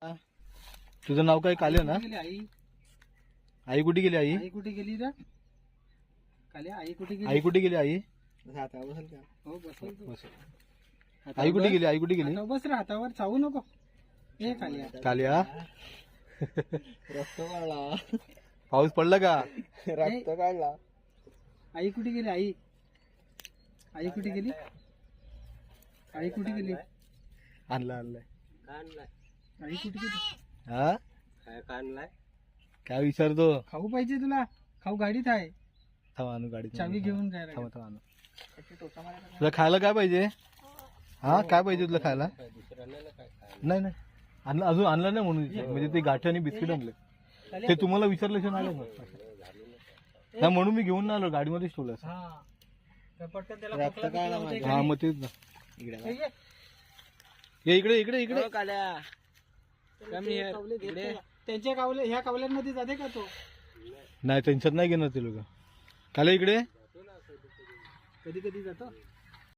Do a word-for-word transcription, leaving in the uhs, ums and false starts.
तुझं नाव काय? काल्या ना? आई आई कुठे गेली? आई आई कुठे गेली रे? काल्या आई कुठे गेली? आई कुठे गेली? आई हो बसल तू. आई कुठे गेली? आई कुठे गेली? हातावर बस रे, हातावर चावू नको. ए काल्या काल्या रक्त काढला. पाऊस पडला का? रक्त काढला. आई कुठे गेली? आई आई कुठे गेली? आई कुठे गेली? आणला आणलाय. काढलाय. आई कुठे गेली? हा काय काढलाय? काय विचारतो? खाऊ पाहिजे तुला? खाऊ गाडीत आहे. थांब आणू गाडी. चावी घेऊन काय थांब थांब आणू. तुला खायला काय पाहिजे? हा काय पाहिजे तुला खायला? नाही नाही आणलं, अजून आणलं नाही म्हणून विचार. म्हणजे ते गाठी आणि बिस्किट आणले. ते तुम्हाला विचारल्याशिवाय नाही आलं ना. नाही म्हणून मी घेऊन नाही आलो, गाडीमध्येच ठेवलं असं. हा तर पटकन त्याला रक्त खोकला काढला होतोय माझ्या. का हा नाही? मग तेच ना. इकडे हे घे. ये इकडे इकडे इकडे. हो, काल्या. कमी ते आहे. कावले घेत इकडे. नाही. त्यांच्या कावले ह्या कावल्यांमध्ये जाते का तो? नाही त्यांच्यात नाही घेणार ते लोक. काले इकडे. कधी कधी जातो.